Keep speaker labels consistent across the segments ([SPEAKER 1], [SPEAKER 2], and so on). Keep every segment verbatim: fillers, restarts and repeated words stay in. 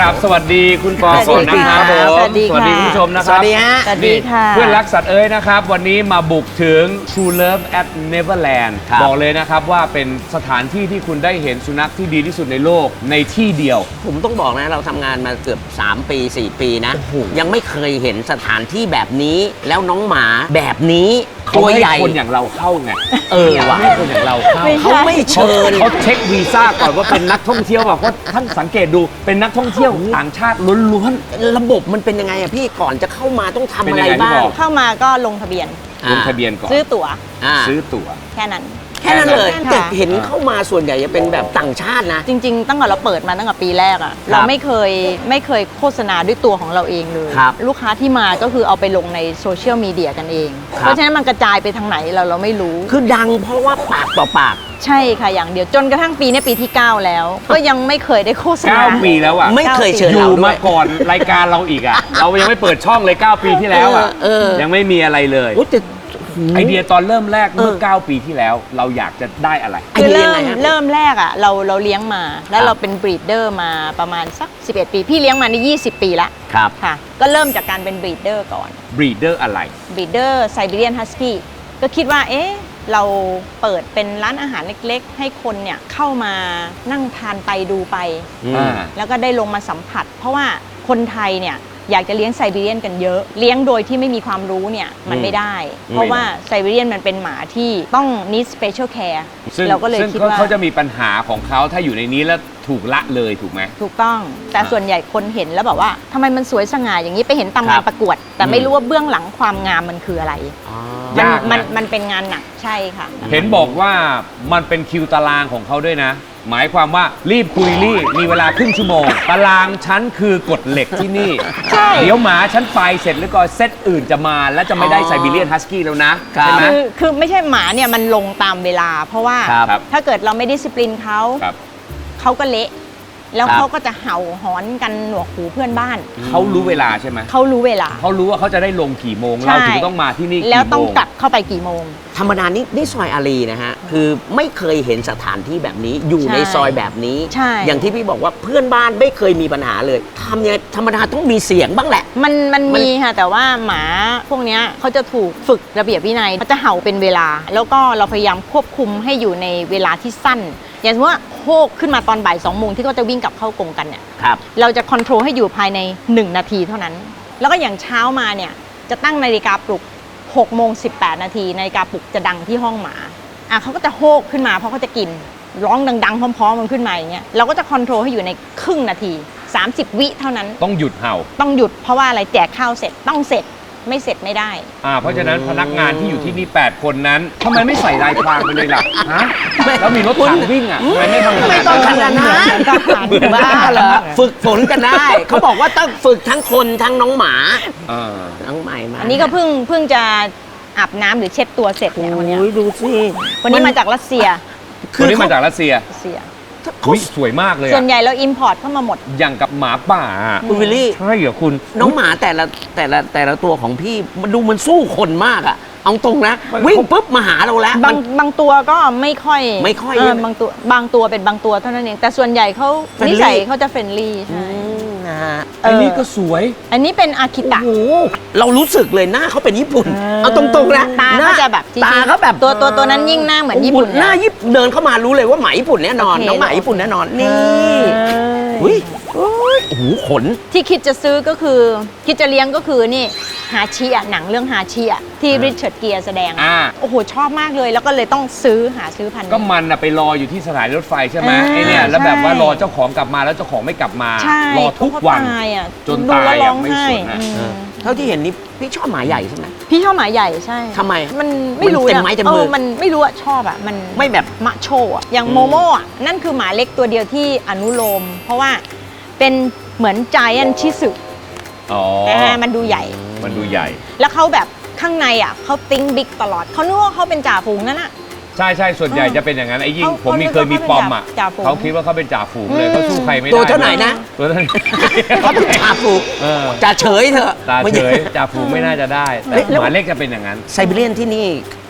[SPEAKER 1] ราบสวัสดีคุณปอก่อนนะครับผม
[SPEAKER 2] สวัสดีค่ะ
[SPEAKER 1] สวัสดีคุณผู้ชมนะครับ
[SPEAKER 3] สวัสดีฮะ
[SPEAKER 2] สวัสดีค่ะ
[SPEAKER 1] เพื่อนรักสัตว์เอ้ยนะครับวันนี้มาบุกถึง True Love at Neverland
[SPEAKER 3] ครับ
[SPEAKER 1] บอกเลยนะครับว่าเป็นสถานที่ที่คุณได้เห็นสุนัขที่ดีที่สุดในโลกในที่เดียว
[SPEAKER 3] ผมต้องบอกนะเราทำงานมาเกือบสามปีสี่ปีนะ
[SPEAKER 1] โอ้โห
[SPEAKER 3] ยังไม่เคยเห็นสถานที่แบบนี้แล้วน้องหมาแบบนี้
[SPEAKER 1] เขา
[SPEAKER 3] ตัว
[SPEAKER 1] ไม่
[SPEAKER 3] ใหญ่
[SPEAKER 1] ให้คนอย่างเราเข้าไง
[SPEAKER 3] เออว่ะ
[SPEAKER 1] ไม่ให้คนอย่างเราเข้า
[SPEAKER 2] ไม่ใช่
[SPEAKER 3] เขาไม่เชิญ
[SPEAKER 1] เขาเช็ควีซ่าก่อนว่าเป็นนักท่องเที่ยวแบบเพราะท่านสังเกตดูเป็นนักท่องเที่ยวต่างชาติล้วน
[SPEAKER 3] ระบบมันเป็นยังไงอะพี่ก่อนจะเข้ามาต้องทำ
[SPEAKER 1] เป็น
[SPEAKER 3] อะ
[SPEAKER 1] ยั
[SPEAKER 3] ไรง
[SPEAKER 1] ไงที่
[SPEAKER 3] บ้า
[SPEAKER 1] บ
[SPEAKER 3] ง
[SPEAKER 1] อก
[SPEAKER 2] เข้ามาก็ลงทะเบียน
[SPEAKER 1] ๆลงทะเบียนก่อน
[SPEAKER 2] ซื้อตั๋ว
[SPEAKER 3] อ่า
[SPEAKER 1] ซื้อตั๋ว
[SPEAKER 2] แค่นั้น
[SPEAKER 3] แค่นั้นเลย
[SPEAKER 2] ค่ะ
[SPEAKER 3] แต่เห็นเข้ามาส่วนใหญ่จะเป็นแบบต่างชาตินะ
[SPEAKER 2] จริงๆ ตั้งแต่เราเปิดมาตั้งแต่ปีแรกอะเราไม่เคยไม่เคยโฆษณาด้วยตัวของเราเองเลย
[SPEAKER 3] ครับ
[SPEAKER 2] ลูกค้าที่มาก็คือเอาไปลงในโซเชียลมีเดียกันเอง
[SPEAKER 3] ครับ
[SPEAKER 2] เพราะฉะนั้นมันกระจายไปทางไหนเราเราไม่รู้
[SPEAKER 3] คือดังเพราะว่าปากต่อปาก
[SPEAKER 2] ใช่ค่ะอย่างเดียวจนกระทั่งปีนี้ปีที่ เก้า แล้ว ก็ยังไม่เคยได้โฆษณา
[SPEAKER 1] เก้าปีแล้วอ่ะ
[SPEAKER 3] ไม่เคยเชิญ
[SPEAKER 1] อ
[SPEAKER 3] เรา
[SPEAKER 1] ยู่
[SPEAKER 3] ด้ว
[SPEAKER 1] มาย ก่อนรายการเราอีกอ่ะ เรายังไม่เปิดช่องเลย เก้า ปีที่แล้วอ่ะ
[SPEAKER 3] เออเออ
[SPEAKER 1] ยังไม่มีอะไรเลย
[SPEAKER 3] โอ้แต่
[SPEAKER 1] ไอเดียตอนเริ่มแรกเมื่อ
[SPEAKER 3] เออ
[SPEAKER 1] เก้า ปีที่แล้ว เราอยากจะได้อะไร
[SPEAKER 3] ไอ
[SPEAKER 2] คือ
[SPEAKER 3] เดีย
[SPEAKER 2] เริ่
[SPEAKER 3] ยัง
[SPEAKER 2] ม
[SPEAKER 3] ไงฮะ
[SPEAKER 2] เริ่มแรกอะเราเราเลี้ยงมา แล้
[SPEAKER 3] คว รับ
[SPEAKER 2] เราเป็นบรีดเดอร์มาประมาณสักสิบเอ็ดปีพี่เลี้ยงมานี่ยี่สิบปีละ
[SPEAKER 3] ครับ
[SPEAKER 2] ค่ะก็เริ่มจากการเป็นบรีดเดอร์ก่อน
[SPEAKER 1] บรีดเดอร์อะไร
[SPEAKER 2] บรีดเดอร์ไซบีเรียนฮัสกี้ก็คิดว่าเอ๊ะเราเปิดเป็นร้านอาหารเล็กๆ ให้คนเนี่ยเข้ามานั่งทานไปดูไป
[SPEAKER 3] อืม
[SPEAKER 1] อ่า
[SPEAKER 2] แล้วก็ได้ลงมาสัมผัส เพราะว่าคนไทยเนี่ยอยากจะเลี้ยงไซบีเรียนกันเยอะ เลี้ยงโดยที่ไม่มีความรู้เนี่ยมันไม่ได้ เพราะว่าไซบีเรียนมันเป็นหมาที่ต้อง need special care
[SPEAKER 1] ซึ่ง
[SPEAKER 2] เราก็เลย
[SPEAKER 1] ซึ่ง
[SPEAKER 2] คิด
[SPEAKER 1] เขา
[SPEAKER 2] ว่า
[SPEAKER 1] เขาจะมีปัญหาของเขาถ้าอยู่ในนี้แล้วถูกละเลยถูกไหม
[SPEAKER 2] ถูกต้องแต่
[SPEAKER 1] อ่า
[SPEAKER 2] ส่วนใหญ่คนเห็นแล้วแบบว่าทำไมมันสวยสง่าอย่างนี้ไปเห็นตาม
[SPEAKER 3] ครั
[SPEAKER 2] งา
[SPEAKER 3] บ
[SPEAKER 2] นประกวด แต่ไม่รู้ว่าเบื้องหลังความงามมันคืออะไร
[SPEAKER 3] อ๋อ
[SPEAKER 2] มัน
[SPEAKER 1] ยากนะ
[SPEAKER 2] มันมันเป็นงานหนักใช่ค่ะ
[SPEAKER 1] เห็นบอกว่ามันเป็นคิวตารางของเขาด้วยนะ หมายความว่ารีบคุยรีบมีเวลาครึ่งชั่วโมง ตารางฉันคือกฎเหล็กที่นี่
[SPEAKER 2] ใช่
[SPEAKER 1] เดี๋ยวหมาฉันไปเสร็จแล้วก็เซตอื่นจะมา แล้วจะไม่ได้ไซบีเรียนฮัสกี้แล้วนะ
[SPEAKER 3] ครั
[SPEAKER 1] ใช่
[SPEAKER 3] บ
[SPEAKER 1] ไหม
[SPEAKER 2] คือคือไม่ใช่หมาเนี่ยมันลงตามเวลา เพราะว่า
[SPEAKER 3] ครับ
[SPEAKER 1] ครับ
[SPEAKER 2] ถ้าเกิดเราไม่ดิสซิปลินเขา
[SPEAKER 1] ครับ
[SPEAKER 2] เขาก็เละ แล้ว
[SPEAKER 3] ครับ
[SPEAKER 2] เขาก็จะเห่าหอนกันหนวกหูเพื่อนบ้าน
[SPEAKER 1] เขารู้เวลาใช่ไหม
[SPEAKER 2] เขารู้เวลา
[SPEAKER 1] เขารู้ว่าเขาจะได้ลงกี่โมง
[SPEAKER 2] ใช่
[SPEAKER 1] เราถึงต้องมาที่นี่
[SPEAKER 2] แล้ว
[SPEAKER 1] กี่
[SPEAKER 2] ต้อง
[SPEAKER 1] โมง
[SPEAKER 2] กลับเข้าไปกี่โมง
[SPEAKER 3] ธรรมดานี่นี่ซอยอารีนะฮะ คือไม่เคยเห็นสถานที่แบบนี้อยู่
[SPEAKER 2] ใช่
[SPEAKER 3] ในซอยแบบนี้
[SPEAKER 2] ใช่
[SPEAKER 3] อย่างที่พี่บอกว่าเพื่อนบ้านไม่เคยมีปัญหาเลยทำยังไงธรรมดาต้องมีเสียงบ้างแหละ
[SPEAKER 2] มันมัน
[SPEAKER 3] มัน
[SPEAKER 2] มีค่ะ แต่ว่าหมาพวกเนี้ยเขาจะถูกฝึกระเบียบวินัยเขาจะเห่าเป็นเวลา แล้วก็เราพยายามควบคุมให้อยู่ในเวลาที่สั้น อย่างสมมติว่าโฮกขึ้นมาตอนบ่ายสองโมงที่เขาจะวิ่งกลับเข้ากรงกันเนี่ย
[SPEAKER 3] ครับ
[SPEAKER 2] เราจะคอนโทรลให้อยู่ภายใน หนึ่ง นาทีเท่านั้น แล้วก็อย่างเช้ามาเนี่ยจะตั้งนาฬิกาปลุกหกโมงสิบแปดนาทีนาฬิกาปลุกจะดังที่ห้องหมาอ่ะเขาก็จะโฮกขึ้นมาเพราะเขาจะกินร้องดังๆพร้อมๆมันขึ้นมาอย่างเงี้ยเราก็จะคอนโทรลให้อยู่ในครึ่งนาทีสามสิบวิเท่านั้น
[SPEAKER 1] ต้องหยุดเห่า
[SPEAKER 2] ต้องหยุดเพราะว่าอะไรแจกข้าวเสร็จต้องเสร็จไม่เสร็จไม่ได้
[SPEAKER 1] อ่าเพราะฉะนั้นพนักงานที่อยู่ที่นี่ แปด คนนั้นทำไมไม่ใส่ลายพรางไปเลยล่ะฮะแล้วมีรถถังวิ่งอ่ะทำไมไม่ทำขนาด
[SPEAKER 3] ไม่ต้องข
[SPEAKER 1] นั้น
[SPEAKER 3] นาดนั้น
[SPEAKER 2] เหมือนทหาร
[SPEAKER 3] บ้าเหรอฝึกฝนกันได้ เขาบอกว่าต้องฝึกทั้งคนทั้งน้องหมา
[SPEAKER 1] เออ
[SPEAKER 3] น้องใหม่มา
[SPEAKER 2] อันนี้ก็เพิ่งเพิ่งจะอาบน้ำหรือเช็ดตัวเสร็จเนี่ยวันเนี้ย
[SPEAKER 3] โอ้ยดูสิ
[SPEAKER 2] วันนี้มาจากรัสเซีย
[SPEAKER 1] คนนี้มาจากรัสเซีย
[SPEAKER 2] รัสเซีย
[SPEAKER 1] อุ้ยสวยมากเลย
[SPEAKER 2] ส่
[SPEAKER 1] อะ
[SPEAKER 2] วนใหญ่เราอิมพอร์ตเข้ามาหมด
[SPEAKER 1] อย่างกับหมาป่าอะ
[SPEAKER 3] คุณวิลลี่
[SPEAKER 1] ใช่เหรอคุณ
[SPEAKER 3] น้องหมาแต่ละแต่ละแต่ละตัวของพี่มันดูมันสู้คนมากอะเอาตรงนะ
[SPEAKER 1] มัน
[SPEAKER 3] วิ่งปุ๊บมาหาเราแล้ว
[SPEAKER 2] บาง
[SPEAKER 3] มัน
[SPEAKER 2] บางตัวก็ไม่ค่อย
[SPEAKER 3] ไม่ค่อย
[SPEAKER 2] เ
[SPEAKER 3] ใช่ไหม
[SPEAKER 2] บางตัวบางตัวเป็นบางตัวเท่านั้นเอง แต่ส่วนใหญ่เขา
[SPEAKER 3] Friendly
[SPEAKER 2] นิสัยเขาจะเฟรนลี่
[SPEAKER 3] อื
[SPEAKER 2] ใช่
[SPEAKER 3] มนะฮะ
[SPEAKER 1] อันนี้ก็สวย
[SPEAKER 2] อันนี้เป็นอาคิตะ
[SPEAKER 3] โอ้โหเรารู้สึกเลยหน้าเขาเป็นญี่ปุ่น
[SPEAKER 2] เออ
[SPEAKER 3] เอาตรงๆนะ
[SPEAKER 2] ตา
[SPEAKER 3] หน้
[SPEAKER 2] เขาจะแบบจริงๆ
[SPEAKER 3] ตาเขาแบบ
[SPEAKER 2] ตัวตัวตัวนั้นยิ่งหน้าเหมือนญี่ปุ่น
[SPEAKER 3] โโหหน้าญี่ปุ่นเดินเข้ามารู้เลยว่าหมาญี่ปุ่นแน่นอน
[SPEAKER 2] โอเค
[SPEAKER 3] น้องหมาญี่ปุ่นแน่นอนนี่
[SPEAKER 2] เออ
[SPEAKER 3] อุ้ยโอ้ยโอ้โหขน
[SPEAKER 2] ที่คิดจะซื้อก็คือ คิดจะเลี้ยงก็คือนี่ฮาชิอะหนังเรื่องฮาชิอะที่ริชาร์ดเกียร์แสดง
[SPEAKER 1] อ่า
[SPEAKER 2] โอ้โห ชอบมากเลย แล้วก็เลยต้องซื้อหาซื้อพันธุ์
[SPEAKER 1] ก็มันอะไปรออยู่ที่สถานีรถไฟใช่ไหม
[SPEAKER 2] อ่า
[SPEAKER 1] ไอเนี่ยแล้วแบบ
[SPEAKER 2] ใช่
[SPEAKER 1] ว่ารอเจ้าของกลับมาแล้วเจ้าของไม่กลับมา
[SPEAKER 2] ใช่
[SPEAKER 1] รอทุกวัน
[SPEAKER 2] เขาตายอะ
[SPEAKER 1] จน
[SPEAKER 2] ดู
[SPEAKER 1] ตาย
[SPEAKER 2] แล้ว
[SPEAKER 1] อะ
[SPEAKER 2] ร้อง
[SPEAKER 1] ไม่
[SPEAKER 2] ไห้
[SPEAKER 1] สนอะ
[SPEAKER 2] อืม
[SPEAKER 3] เท่าที่เห็นนี่พี่ชอบหมาใหญ่ใช่ไหม
[SPEAKER 2] พี่ชอบหมาใหญ่ใช่
[SPEAKER 3] ทำไม
[SPEAKER 2] มันไม่รู้
[SPEAKER 3] มันเต็ม
[SPEAKER 2] อะ
[SPEAKER 3] ไม้เต็ม
[SPEAKER 2] เอ
[SPEAKER 3] มื
[SPEAKER 2] อ
[SPEAKER 3] อ
[SPEAKER 2] มันไม่รู้อะชอบอะมัน
[SPEAKER 3] ไม่แบบ
[SPEAKER 2] มะโชอะอย่างโมโม่อะนั่นคือหมาเล็กตัวเดียวที่อนุโลม เพราะว่าเป็นเหมือนจายแอนชิสึ
[SPEAKER 1] อ๋อ
[SPEAKER 2] นะมันดูใหญ่
[SPEAKER 1] มันดูใหญ่
[SPEAKER 2] แล้วเขาแบบข้างในอะเขาติ้งบิ๊กตลอดเขานึกว่าเขาเป็นจ่าฝูงนั่นอะ
[SPEAKER 1] ใช่ใช่ส่วนใหญ่
[SPEAKER 2] เออ
[SPEAKER 1] จะเป็นอย่างนั้นไอ้ยิ่ง
[SPEAKER 2] เขา
[SPEAKER 1] ผมมี
[SPEAKER 2] เขา
[SPEAKER 1] เคยมีปอมอ่ะ
[SPEAKER 2] จ่าฝูง
[SPEAKER 1] เขาคิดว่าเขาเป็นจ่าฝูงเลย
[SPEAKER 2] อืม
[SPEAKER 1] เขาสู้ใครไม่ได้
[SPEAKER 3] ตัวเท่าไหร่นะ
[SPEAKER 1] ตัวเท่าไหร่
[SPEAKER 3] เขาเป็นจ่าฝูง
[SPEAKER 1] เออ
[SPEAKER 3] จ่าเฉยเถอะ
[SPEAKER 1] ตา
[SPEAKER 3] ไม่
[SPEAKER 1] เฉ
[SPEAKER 3] ใช่
[SPEAKER 1] ยจ่าฝูงไม่น่าจะได้แต่
[SPEAKER 3] เฮ้ยแล้ว
[SPEAKER 1] หมาเล็กจะเป็นอย่างนั้น
[SPEAKER 3] ไซบีเรียนที่นี่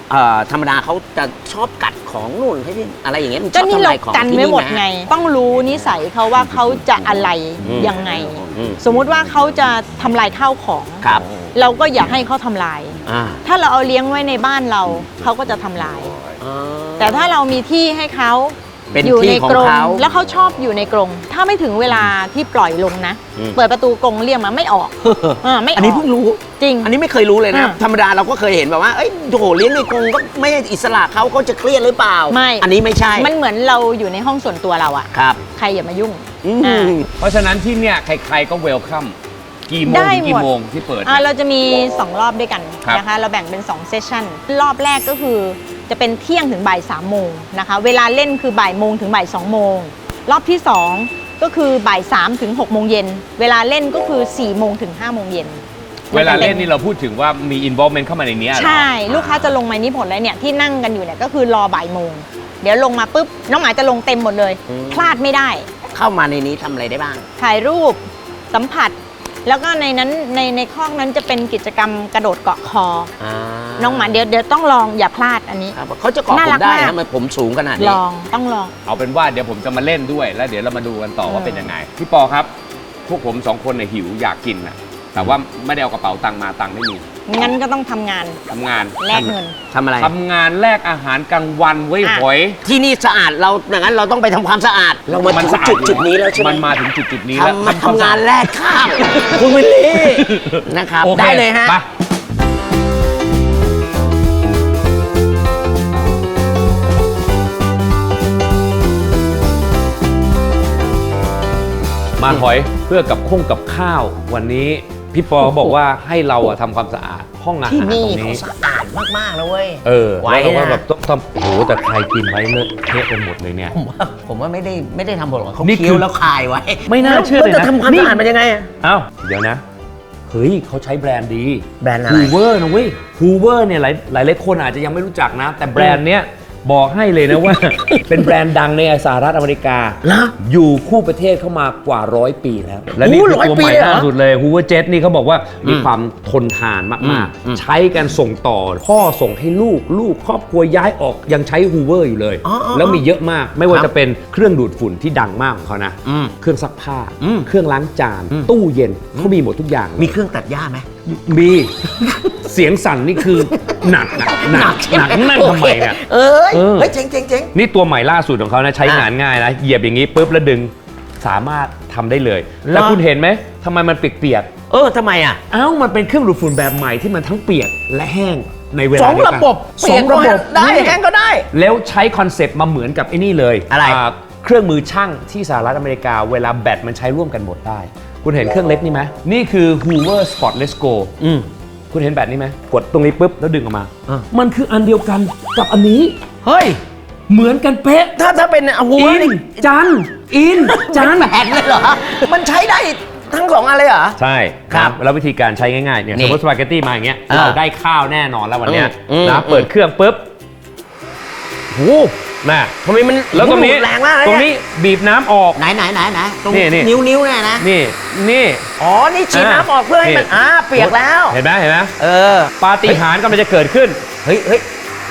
[SPEAKER 3] เอ่อธรรมดาเขาจะชอบกัดของนู่นให้ที่อะไรอย่างเงี้ยมันช
[SPEAKER 2] ก็
[SPEAKER 3] อบ
[SPEAKER 2] นี่
[SPEAKER 3] ทำ
[SPEAKER 2] เรา
[SPEAKER 3] ลายของ
[SPEAKER 2] กัน
[SPEAKER 3] ที่
[SPEAKER 2] ไว้
[SPEAKER 3] นี่
[SPEAKER 2] หมด
[SPEAKER 3] นะ
[SPEAKER 2] ไง ต้องรู้นิสัยเขาว่าเขาจะอะไร
[SPEAKER 3] อืม
[SPEAKER 2] ยังไง
[SPEAKER 3] อืม
[SPEAKER 2] สมมุติว่าเขาจะทำลายข้าวของ
[SPEAKER 3] ครับ
[SPEAKER 2] เราก็อย่าให้เขาทำลาย
[SPEAKER 3] อ่า
[SPEAKER 2] ถ้าเราเอาเลี้ยงไว้ในบ้านเราเขาก็จะทำลาย
[SPEAKER 3] อ่า
[SPEAKER 2] แต่ถ้าเรามีที่ให้เขา
[SPEAKER 3] เป็น
[SPEAKER 2] อยู่
[SPEAKER 3] ที่
[SPEAKER 2] ใน
[SPEAKER 3] ของ
[SPEAKER 2] กรง
[SPEAKER 3] เขา
[SPEAKER 2] แล้วเขาชอบอยู่ในกรงถ้าไม่ถึงเวลาที่ปล่อยลงนะ
[SPEAKER 3] อืม
[SPEAKER 2] เปิดประตูกรงเรียกมาไม่ออกเออไม่ออก
[SPEAKER 3] อันนี้เพิ่งรู้
[SPEAKER 2] จริง
[SPEAKER 3] อันนี้ไม่เคยรู้เลยนะ
[SPEAKER 2] อ่า
[SPEAKER 3] ธรรมดาเราก็เคยเห็นแบบว่า เอ้ยโหเลี้ยงในกรงก็ไม่ให้อิสระเขาเขาจะเครียดหรือเปล่า
[SPEAKER 2] ไม่
[SPEAKER 3] อันนี้ไม่ใช่
[SPEAKER 2] มันเหมือนเราอยู่ในห้องส่วนตัวเราอะ
[SPEAKER 3] ครับ
[SPEAKER 2] ใครอย่ามายุ่ง
[SPEAKER 3] อื
[SPEAKER 2] อ่า
[SPEAKER 3] ม
[SPEAKER 1] เพราะฉะนั้นที่เนี่ยใครๆก็เวลคัมกี่โมง
[SPEAKER 2] ได้
[SPEAKER 1] ถึงกี่
[SPEAKER 2] หมด
[SPEAKER 1] โมงที่เปิด
[SPEAKER 2] อ่า
[SPEAKER 1] เนี่ย
[SPEAKER 2] เราจะมี สอง รอบด้วยกัน
[SPEAKER 1] ครับ
[SPEAKER 2] นะคะ เราแบ่งเป็น สอง เซสชั่น รอบแรกก็คือจะเป็นเที่ยงถึงบ่ายสามโมงนะคะ เวลาเล่นคือบ่ายโมงถึงบ่ายสองโมง รอบที่ สอง ก็คือบ่ายสามถึงหกโมงเย็น เวลาเล่นก็คือสี่โมงถึงห้าโมงเย็น
[SPEAKER 1] เวลาเล่นนี่เราพูดถึงว่ามี involvement เข้ามาในเนี้ยเหรอ
[SPEAKER 2] ใช่ ลูกค้าจะลงมานี่หมดเลยเนี่ยที่นั่งกันอยู่เนี่ยก็คือรอบ่ายโมง เดี๋ยวลงมาปุ๊บน้องหมาจะลงเต็มหมดเลย
[SPEAKER 3] อืม
[SPEAKER 2] พลาดไม่ได้
[SPEAKER 3] เข้ามาในนี้ทำอะไรได้บ้าง
[SPEAKER 2] ถ่ายรูปสัมผัส แล้วก็ในนั้นในในคอกนั้นจะเป็นกิจกรรมกระโดดเกาะคอ
[SPEAKER 3] อ่า
[SPEAKER 2] น้องหมาเดี๋ยวเดี๋ยวต้องลองอย่าพลาดอันนี้
[SPEAKER 3] ครับเขาจะเกาะ
[SPEAKER 2] น่า
[SPEAKER 3] ผ
[SPEAKER 2] รั
[SPEAKER 3] ม
[SPEAKER 2] ก
[SPEAKER 3] ได้
[SPEAKER 2] มาก
[SPEAKER 3] นะมันผมสูงขนาด
[SPEAKER 2] ล
[SPEAKER 3] นี้
[SPEAKER 2] องต้องลอง
[SPEAKER 1] เอาเป็นว่าเดี๋ยวผมจะมาเล่นด้วยแล้วเดี๋ยวเรามาดูกันต่อว่าเป็นยังไง พี่ปอครับ พวกผมสองคนเนี่ยหิวอยากกินนะแต่ว่าไม่ได้เอากระเป๋าตังค์มาตังค์ไม่มี
[SPEAKER 2] งั้นก็ต้องทำงาน
[SPEAKER 1] ทำงาน
[SPEAKER 2] แลกเงิน
[SPEAKER 3] ทำอะไร
[SPEAKER 1] ทำงานแลกอาหารกลางวันไว้ย
[SPEAKER 2] อ่ะ
[SPEAKER 1] หอย
[SPEAKER 3] ที่นี่สะอาดเราอย่างนั้นเราต้องไปทำความสะอาด เรามาถึง
[SPEAKER 1] สะอา
[SPEAKER 3] จุด
[SPEAKER 1] อยู่
[SPEAKER 3] จุดนี้แล้วใช่ไหม
[SPEAKER 1] มันมาถึงจุดจุดนี้แล้ว
[SPEAKER 3] ทำมา
[SPEAKER 1] คว
[SPEAKER 3] ทำงาน
[SPEAKER 1] สะอด
[SPEAKER 3] แรกข้ามคุณวิลลี่นะครับ
[SPEAKER 1] โอค
[SPEAKER 3] ได้เลยฮะ
[SPEAKER 1] ไปมาหอยเพื่อกับข้งกับข้าววันนี้พี่ปอบอกว่าให้เราอะทำความสะอาดห้องอาหาร
[SPEAKER 3] ที่
[SPEAKER 1] ต
[SPEAKER 3] นี่
[SPEAKER 1] รง
[SPEAKER 3] เขา
[SPEAKER 1] นี้
[SPEAKER 3] สะอาดมากๆนะเว้ย
[SPEAKER 1] เออ
[SPEAKER 3] ไว้
[SPEAKER 1] แล้วเราก็
[SPEAKER 3] นะ
[SPEAKER 1] แบบต้องทำโอ้โหแต่ใครกินไว้เลอะเทะไปหมดเลยเนี่ย
[SPEAKER 3] ผมว่าผมว่าไม่ได้ไม่ได้ทำผลหรอกเขา
[SPEAKER 1] นี่คือ
[SPEAKER 3] เคี้ยวแล้วคายไว้
[SPEAKER 1] ไม่น่าเชื่อเลยนะ
[SPEAKER 3] แวจะทำความ
[SPEAKER 1] นี่
[SPEAKER 3] สะอาดมันยังไงอะ
[SPEAKER 1] เอ้าเดี๋ยวนะ เฮ้ยเขาใช้แบรนด์ดี
[SPEAKER 3] แบรนด์อะไร
[SPEAKER 1] ฮูเวอร์นะเว้ยฮูเวอร์เนี่ยหลายหลายหลายคนอาจจะยังไม่รู้จักนะ แต่แบรนด์เนี้ยบอกให้เลยนะว่า เป็นแบรนด์ดังในสหรัฐอเมริกา
[SPEAKER 3] เหรอ
[SPEAKER 1] อยู่คู่ประเทศเข้ามากว่าร้อยปีแล้ว และนี่
[SPEAKER 3] โอ้
[SPEAKER 1] คือ
[SPEAKER 3] ร้อย
[SPEAKER 1] ตัว
[SPEAKER 3] ปี
[SPEAKER 1] ใหม่
[SPEAKER 3] เลยเหรอ
[SPEAKER 1] ล่าสุดเลยฮูเวอร์เจ็ตนี่เขาบอกว่ามี
[SPEAKER 3] อืม
[SPEAKER 1] ความทนทาน
[SPEAKER 3] อื
[SPEAKER 1] มาก
[SPEAKER 3] มอืม
[SPEAKER 1] ๆ ใช้กันส่งต่อ พ่อส่งให้ลูกลูกครอบครัวย้ายออกยังใช้ฮูเวอร์อยู่เลย
[SPEAKER 3] อ๋ออ๋อ
[SPEAKER 1] แล้วมีเยอะมากไม่ว่า
[SPEAKER 3] ครับ
[SPEAKER 1] จะเป็นเครื่องดูดฝุ่นที่ดังมากของเขานะ
[SPEAKER 3] อืม
[SPEAKER 1] เครื่องซักผ้า
[SPEAKER 3] อืม
[SPEAKER 1] เครื่องล้างจาน
[SPEAKER 3] อืม
[SPEAKER 1] ตู้เย็นเขามีหมดทุกอย่าง
[SPEAKER 3] มีเครื่องตัดหญ้าไหม
[SPEAKER 1] มี เสียงสั่นนี่คือหนักหนักหนักหนักนั่งทำไมเนี่ย
[SPEAKER 3] เอ้ย
[SPEAKER 1] เออ
[SPEAKER 3] เฮ้ยเจ๋งเจ๋งเจ๋ง
[SPEAKER 1] นี่ตัวใหม่ล่าสุดของเขานะใช้งานง่ายนะเหยียบอย่างนี้ปุ๊บแล้วดึงสามารถทำได้เลย แล้วคุณเห็นไหมทำไมมันเปียก
[SPEAKER 3] เออทำไมอ่ะ
[SPEAKER 1] ๆเอ้ามันเป็นเครื่องดูดฝุ่นแบบใหม่ที่มันทั้งเปียกและแห้งในเวลา
[SPEAKER 3] สอง
[SPEAKER 1] เดียว
[SPEAKER 3] ระ
[SPEAKER 1] กัน
[SPEAKER 3] บบ
[SPEAKER 1] สองระบบ
[SPEAKER 3] ได้
[SPEAKER 1] นี่
[SPEAKER 3] แห้งก็ได้
[SPEAKER 1] แล้วใช้คอนเซปต์มาเหมือนกับไอ้นี่เลย
[SPEAKER 3] อะไร
[SPEAKER 1] าเครื่องมือช่างที่สหรัฐอเมริกาเวลาแบตมันใช้ร่วมกันหมดได้ คุณเห็นเครื่องเล็กนี่ไหมนี่คือ Hoover Spotless Go
[SPEAKER 3] อืม
[SPEAKER 1] คุณเห็นแบตนี้ไหมกดตรงนี้ปุ๊บแล้วดึงออกมา
[SPEAKER 3] อ่ะ
[SPEAKER 1] มันคืออันเดียวกันกับอันนี้
[SPEAKER 3] เฮ้ย
[SPEAKER 1] เหมือนกันเป๊ะ
[SPEAKER 3] ถ้าถ้าเป็นอาวุธ
[SPEAKER 1] อิน
[SPEAKER 3] นี่
[SPEAKER 1] จันอินจัน
[SPEAKER 3] แบนเลยเหรอ มันใช้ได้ทั้งสองอันเลยเหรอ
[SPEAKER 1] ใช่
[SPEAKER 3] ครับ
[SPEAKER 1] แล้ววิธีการใช้ง่ายๆเนี่ย
[SPEAKER 3] นี่
[SPEAKER 1] สมมติสปาเกตตี้มาอย่างเงี้ย
[SPEAKER 3] อ่า
[SPEAKER 1] เราได้ข้าวแน่นอนแล้ววันเนี้ย
[SPEAKER 3] อืม
[SPEAKER 1] นะ
[SPEAKER 3] อืม
[SPEAKER 1] เปิดเครื่องปุ๊บโหน่ะ
[SPEAKER 3] ทำไมมัน
[SPEAKER 1] แล้วตรงนี้
[SPEAKER 3] แรงมากเลย
[SPEAKER 1] ตรง
[SPEAKER 3] เนี่ย
[SPEAKER 1] นี้บีบน้ำออก
[SPEAKER 3] ไหนไหนไหนไหนตรง
[SPEAKER 1] นี่นี่
[SPEAKER 3] นิ้วนิ้วเนี่ยนะ
[SPEAKER 1] นี่นี่
[SPEAKER 3] อ๋อ นี่ฉีด
[SPEAKER 1] อ่า
[SPEAKER 3] น้ำออกเพื่อให้มัน
[SPEAKER 1] นี่
[SPEAKER 3] อ่าเปียกแล้ว
[SPEAKER 1] เห็นไหมเห็นไหม
[SPEAKER 3] เออ
[SPEAKER 1] ปาฏิหาริย์กำลังจะเกิดขึ้น
[SPEAKER 3] เฮ้ยเฮ้ย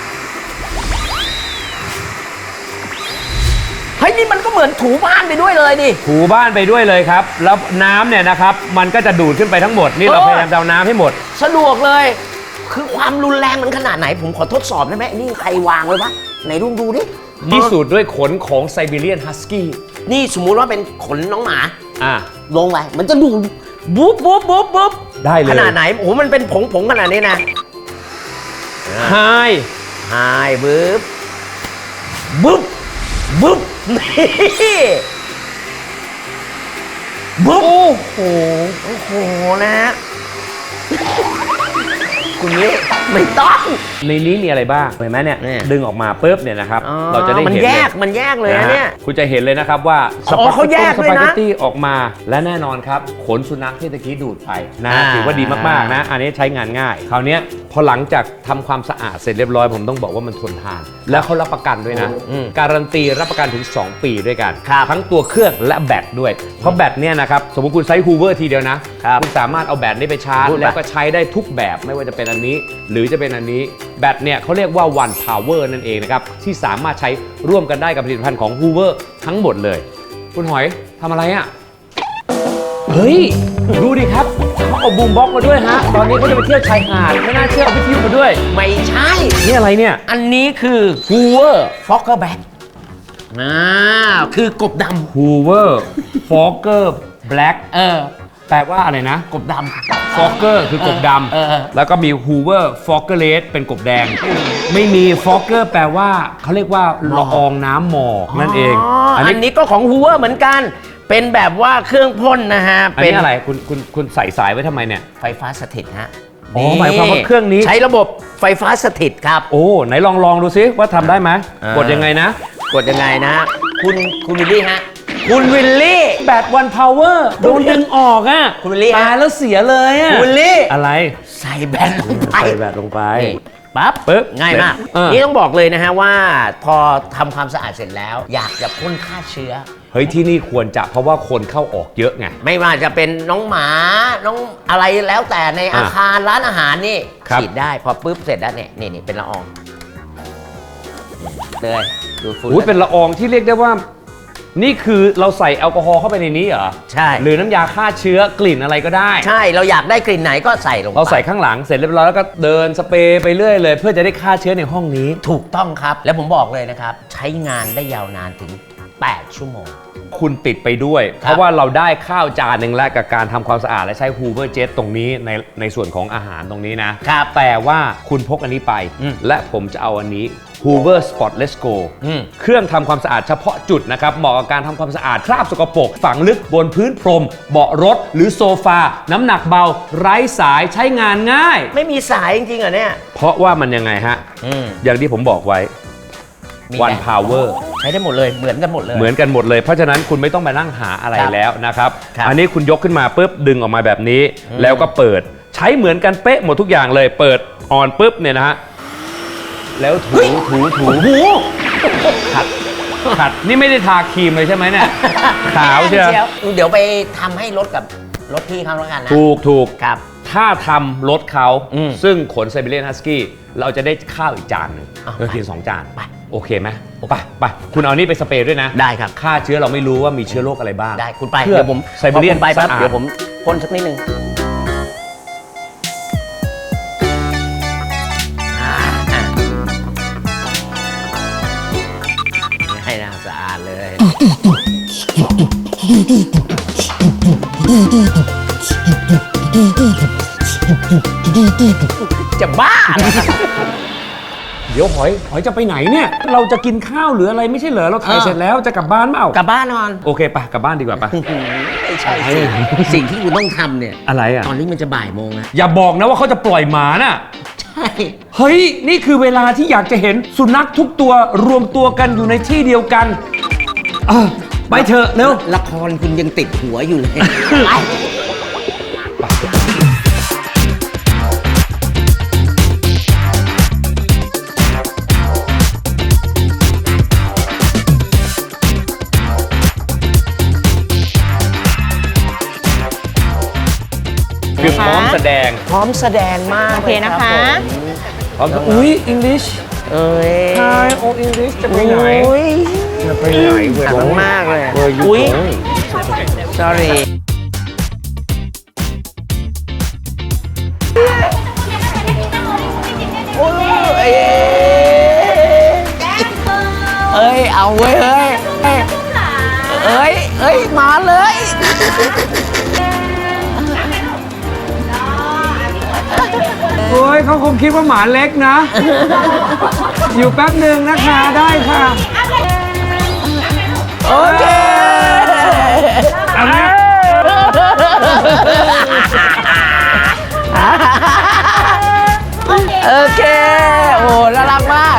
[SPEAKER 3] เฮ้ย นี่มันก็เหมือนถูบ้านไปด้วยเลยดิ
[SPEAKER 1] ถูบ้านไปด้วยเลยครับ แล้วน้ำเนี่ยนะครับ มันก็จะดูดขึ้นไปทั้งหมด นี่เรา
[SPEAKER 3] เออ
[SPEAKER 1] พยายามจะเอาน้ำให้หมด
[SPEAKER 3] สะดวกเลย คือความรุนแรงมันขนาดไหน ผมขอทดสอบได้ไหมนี่ใครวางไว้ปะไหนลุงดูดิ
[SPEAKER 1] พิสูจน์ด้วยขนของไซบีเรียนฮัสกี้
[SPEAKER 3] นี่สมมุติว่าเป็นขนน้องหมา
[SPEAKER 1] อ่ะ
[SPEAKER 3] ลงไปมันจะดูดบุ๊บบุ๊บบุ๊บบุ๊บ
[SPEAKER 1] ได้เลย
[SPEAKER 3] ขนาดไหน โอ้โห มันเป็นผงผงขนาดนี้นะ
[SPEAKER 1] ไฮ
[SPEAKER 3] หายบุ๊บบุ๊บบุ๊บนี่บุ๊บ
[SPEAKER 1] โอ้โห
[SPEAKER 3] โอ้โหนะฮะคุณนี้ไม่ต้อง
[SPEAKER 1] ในนี้มีอะไรบ้างเห็นไหมเนี่ย
[SPEAKER 3] เนี่ย
[SPEAKER 1] ดึงออกมาปุ๊บเนี่ยนะครับ
[SPEAKER 3] อ๋อ
[SPEAKER 1] เราจะได้
[SPEAKER 3] มัน
[SPEAKER 1] เห็น
[SPEAKER 3] แย
[SPEAKER 1] เลย
[SPEAKER 3] กมันแยกเลยนะเนี่ย
[SPEAKER 1] ฮคุณจะเห็นเลยนะครับว่า
[SPEAKER 3] อ๋อเขาแยกด้วยนะ
[SPEAKER 1] สปาเกตตี้ออกมาและแน่นอนครับ ขนสุนัขที่ตะกี้ดูดไปนะ
[SPEAKER 3] อ่า
[SPEAKER 1] ถือว่าดีมากๆนะ อันนี้ใช้งานง่าย คราวเนี้ยพพอหลังจากทำความสะอาดเสร็จเรียบร้อยผมต้องบอกว่ามันทนทาน แล้วเขารับประกันด้วยนะ
[SPEAKER 3] อืม
[SPEAKER 1] การันตีรับประกันถึง สอง ปีด้วยกัน
[SPEAKER 3] ครับ
[SPEAKER 1] ทั้งตัวเครื่องและแบตด้วย เพราะแบตเนี่ยนะครับสมมติคุณใช้ฮูเวอร์ทีเดียวนะครับ ณสามารถเอาแบตนี้ไปชาร์จ
[SPEAKER 3] พูดไป
[SPEAKER 1] แล้วก็ใช้ได้ทุกแบบไม่ว่าจะเป็นอันนี้ หรือจะเป็นอันนี้แบตเนี่ยเขาเรียกว่า one power นั่นเองนะครับที่สามารถใช้ร่วมกันได้กับผลิตภัณฑ์ของ Hoover ทั้งหมดเลย คุณหอยทำอะไรอ่ะ เฮ้ย ดูดิครับเขาเอาบูมบ็อกซ์มาด้วยฮะ ตอนนี้เขาจะไปเที่ยวชายหาดไม่น่าเชื่อเอาวิทยุมาด้วย
[SPEAKER 3] ไม่ใช่
[SPEAKER 1] นี่อะไรเนี่ย
[SPEAKER 3] อันนี้คือ Hoover Foggerback อ่าคือกบด
[SPEAKER 1] Hoover Fogger Black
[SPEAKER 3] ำเออ
[SPEAKER 1] แปลว่าอะไรนะ
[SPEAKER 3] กบดำ
[SPEAKER 1] Fogger คือกบด
[SPEAKER 3] เออเออ
[SPEAKER 1] ำแล้วก็มี Hoover Fogger Red เป็นกบแดง ไม่มี Fogger แปลว่าเขาเรียกว่าละอองน้ำหมอกนั่นเอง
[SPEAKER 3] อันนี้ก็ของ Hoover เหมือนกัน เป็นแบบว่าเครื่องพ่นนะฮะ
[SPEAKER 1] อัน
[SPEAKER 3] เป็น
[SPEAKER 1] นี้อะไรคุณคุณคุณใส่สายไว้ทำไมเนี่ย
[SPEAKER 3] ไฟฟ้าสถิตฮะ
[SPEAKER 1] อ๋อหมายความว่าเครื่องนี้
[SPEAKER 3] ใช้ระบบไฟฟ้าสถิตครับ
[SPEAKER 1] โอ้ ไหนลองลองดูซิว่าทำได้ไหม
[SPEAKER 3] อ่าก ก
[SPEAKER 1] ดยังไงนะ
[SPEAKER 3] กดยังไงนะ คุณคุณวิลลี่ฮะ คุณวิลลี่
[SPEAKER 1] แบตวันพาวเวอร์โดนดึงออกอ่ะ
[SPEAKER 3] คุณวิลลี่ฮะ
[SPEAKER 1] ตายแล้วเสียเลยอ่ะ
[SPEAKER 3] คุณวิลลี่
[SPEAKER 1] อะไร
[SPEAKER 3] ใส่แบตลงไป
[SPEAKER 1] ใส่แบตลงไป
[SPEAKER 3] นี่ปั๊บ
[SPEAKER 1] ปึ๊บ
[SPEAKER 3] ง่ายมาก
[SPEAKER 1] เออ
[SPEAKER 3] นี่ต้องบอกเลยนะฮะว่าพอทำความสะอาดเสร็จแล้ว อยากจะพ่นฆ่าเชื้อ
[SPEAKER 1] เฮ้ยที่นี่ควรจะเพราะว่าคนเข้าออกเยอะไง
[SPEAKER 3] ไม่ว่าจะเป็นน้องหมาน้องอะไรแล้วแต่ใน
[SPEAKER 1] อ่ะ
[SPEAKER 3] อาคารร้านอาหารนี่
[SPEAKER 1] ครับ
[SPEAKER 3] ฉีดได้พอปุ๊บเสร็จแล้วเนี่ยนี่นี่เป็นละอองเลยดูดฝุ่น
[SPEAKER 1] อุ้ยเป็นละอองที่เรียกได้ว่า นี่คือเราใส่แอลกอฮอล์เข้าไปในนี้เหรอ
[SPEAKER 3] ใช่
[SPEAKER 1] หรือน้ำยาฆ่าเชื้อกลิ่นอะไรก็ได้
[SPEAKER 3] ใช่เราอยากได้กลิ่นไหนก็ใส่ลงไป
[SPEAKER 1] เราใส่ข้างหลังเสร็จเรียบร้อยแล้วก็เดินสเปรย์ไปเรื่อยเลย เพื่อจะได้ฆ่าเชื้อในห้องนี้
[SPEAKER 3] ถูกต้องครับ แล้วผมบอกเลยนะครับ ใช้งานได้ยาวนานถึง แปด ชั่วโมง
[SPEAKER 1] คุณติดไปด้วย
[SPEAKER 3] ครับ
[SPEAKER 1] เพราะว่าเราได้ข้าวจานหนึ่งแล้วกับการทำความสะอาดและใช้ Hoover Jet ตรงนี้ในในส่วนของอาหารตรงนี้นะครับ แต่ว่าคุณพกอันนี้ไป
[SPEAKER 3] อืม
[SPEAKER 1] และผมจะเอาอันนี้ Hoover Spotless Go
[SPEAKER 3] อืม
[SPEAKER 1] เครื่องทำความสะอาดเฉพาะจุดนะครับเหมาะกับการทำความสะอาดคราบสกปรกฝังลึกบนพื้นพรม เบาะรถหรือโซฟา น้ำหนักเบา ไร้สายใช้งานง่าย
[SPEAKER 3] ไม่มีสายจริงๆเหรอเนี่ย
[SPEAKER 1] เพราะว่ามันยังไงฮะ
[SPEAKER 3] อืม
[SPEAKER 1] อย่างที่ผมบอกไว้
[SPEAKER 3] มี
[SPEAKER 1] One
[SPEAKER 3] แบต
[SPEAKER 1] Power
[SPEAKER 3] ใช้ได้หมดเลยเหมือนกันหมดเลย
[SPEAKER 1] เหมือนกันหมดเลย เพราะฉะนั้นคุณไม่ต้องไปนั่งหาอะไร
[SPEAKER 3] ครับ
[SPEAKER 1] แล้วนะครับ
[SPEAKER 3] ครับ
[SPEAKER 1] อันนี้คุณยกขึ้นมาปุ๊บดึงออกมาแบบนี้
[SPEAKER 3] อืม
[SPEAKER 1] แล้วก็เปิดใช้เหมือนกันเป๊ะหมดทุกอย่างเลย เปิดออนปุ๊บเนี่ยนะฮะ แล้วถูถูถูหูขัดขัด นี่ไม่ได้ทาครีมเลยใช่ไหมเนี่ย ขาวเชียว
[SPEAKER 3] เดี๋ยวไปทำให้รถกับรถพี่เขาแล้วกันนะ
[SPEAKER 1] ถูกถูก
[SPEAKER 3] ครับ
[SPEAKER 1] ถ้าทำรถเขา
[SPEAKER 3] อืม
[SPEAKER 1] ซึ่งขนไซบีเรียนฮัสกี้เราจะได้ข้าวอีกจานหนึ่ง
[SPEAKER 3] เอา
[SPEAKER 1] เรากินสองจาน
[SPEAKER 3] ไป
[SPEAKER 1] โอเคไหมไปไปคุณเอานี่ไปสเปรย์ด้วยนะ
[SPEAKER 3] ได้ครับ
[SPEAKER 1] ฆ่าเชื้อเราไม่รู้ว่ามีเชื้อโรคอะไรบ้าง
[SPEAKER 3] ได้คุณไป
[SPEAKER 1] เพื่อ
[SPEAKER 3] เดี๋ยวผม
[SPEAKER 1] ไซบีเรียน
[SPEAKER 3] พอคุณไปปั๊บ
[SPEAKER 1] สะอาด
[SPEAKER 3] เดี๋ยวผมพ่นสักนิดนึงอ่าอ่ะให้น่าสะอาดเลย จะบ้าเหรอ
[SPEAKER 1] เดี๋ยวหอยหอยจะไปไหนเนี่ย เราจะกินข้าวหรืออะไรไม่ใช่เหรอเราถ่าย
[SPEAKER 3] เออ
[SPEAKER 1] เสร็จแล้วจะกลับบ้านเปล่าก
[SPEAKER 3] ลับบ้านนอน
[SPEAKER 1] โอเคไปกลับบ้านดีกว่าปะ
[SPEAKER 3] ไม่ใช่สิสิ่งที่คุณต้องทำเนี่ย
[SPEAKER 1] อะไรอ่ะ
[SPEAKER 3] ตอนนี้มันจะบ่ายโมงแล้ว
[SPEAKER 1] อย่าบอกนะว่าเขาจะปล่อยหมาน่ะ
[SPEAKER 3] ใช่
[SPEAKER 1] เฮ้ย นี่คือเวลาที่อยากจะเห็นสุนัขทุกตัวรวมตัวกันอยู่ในที่เดียวกันเออไปเถอะเร็ว
[SPEAKER 3] ละครคุณยังติดหัวอยู่เลยไป
[SPEAKER 1] คือพร้อมแสดง
[SPEAKER 3] พร้อมแสดงมาก
[SPEAKER 2] โอเคนะคะ
[SPEAKER 1] พร้อมอุ้ยอังกฤษ
[SPEAKER 3] เอ้ย
[SPEAKER 1] ไทยโออังกฤษจะไปไหน
[SPEAKER 3] อุ้ย
[SPEAKER 1] จะไปไหนเว้ย
[SPEAKER 3] หนักมากเลย
[SPEAKER 1] เว้ย
[SPEAKER 3] อุ้ย
[SPEAKER 1] โอ้ย
[SPEAKER 3] sorry โอ้ยเอ้ยเอ้ย เอาเว้ยเฮ้ย เอ้ย เอ้ย เอ้ย มาเลย
[SPEAKER 1] โอ้ยเขาคงคิดว่าหมาเล็กนะ อยู่แป๊บหนึ่งนะคะได้ค่ะ
[SPEAKER 3] โอเค
[SPEAKER 1] เอาละ
[SPEAKER 3] โอเค โอ้น่ารักมาก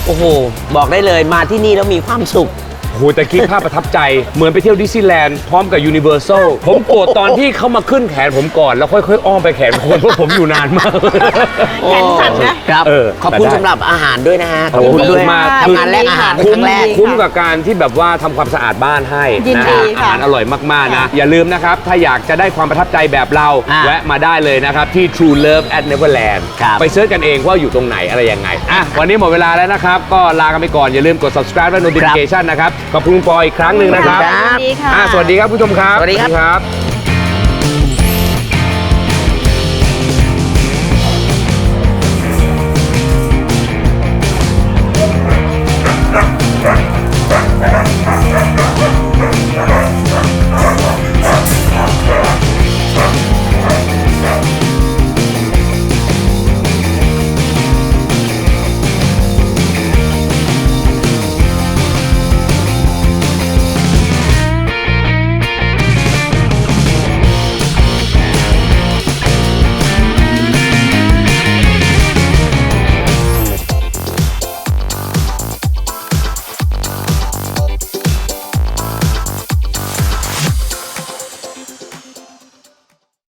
[SPEAKER 3] โอ้โห บอกได้เลยมาที่นี่แล้วมีความสุข
[SPEAKER 1] โหแต่คิดภาพประทับใจเหมือนไปเที่ยวดิสนีย์แลนด์พร้อมกับยูนิเวอร์แซลผมโกรธตอนที่เขามาขึ้นแขนผมก่อนแล้วค่อยๆอ้อมไปแขนคนเพราะผมอยู่นานมาก
[SPEAKER 2] แขนสั่นนะ
[SPEAKER 3] ครับ
[SPEAKER 1] เออ
[SPEAKER 3] ขอบคุณ
[SPEAKER 1] แต่ได้
[SPEAKER 3] สำหรับอาหารด้วยนะฮะ
[SPEAKER 1] ขอบคุณ
[SPEAKER 3] ด้วย
[SPEAKER 1] ด้วยมาก
[SPEAKER 3] ทำงานแลกอาหารเป็น
[SPEAKER 1] คุ้
[SPEAKER 3] ค
[SPEAKER 1] ม
[SPEAKER 3] รั้งแรก
[SPEAKER 2] ดี
[SPEAKER 1] คุ้มกับการที่แบบว่าทำความสะอาดบ้านให้
[SPEAKER 2] ยิน
[SPEAKER 1] นะ
[SPEAKER 2] ดี
[SPEAKER 1] ฮะอา
[SPEAKER 2] ค่ะ
[SPEAKER 1] หารอร่อยมากๆนะอย่าลืมนะครับถ้าอยากจะได้ความประทับใจแบบเรา
[SPEAKER 3] อ่า
[SPEAKER 1] แวะมาได้เลยนะครับที่ True Love at Neverland
[SPEAKER 3] ครับ
[SPEAKER 1] ไปเสิร์ชกันเองว่าอยู่ตรงไหนอะไรยังไงอ่ะวันนี้หมดเวลาแล้วนะครับก็ลากันไปก่อนอย่าลืมกด subscribe และ notification นะครับขอบคุณคุณปออีกครั้งหนึ่งนะครับ
[SPEAKER 3] ครับ
[SPEAKER 2] ยินดีค่ะ
[SPEAKER 1] อ่ะสวัสดีครับผู้ชมครับ
[SPEAKER 3] สวัสดีครับ
[SPEAKER 1] ครับ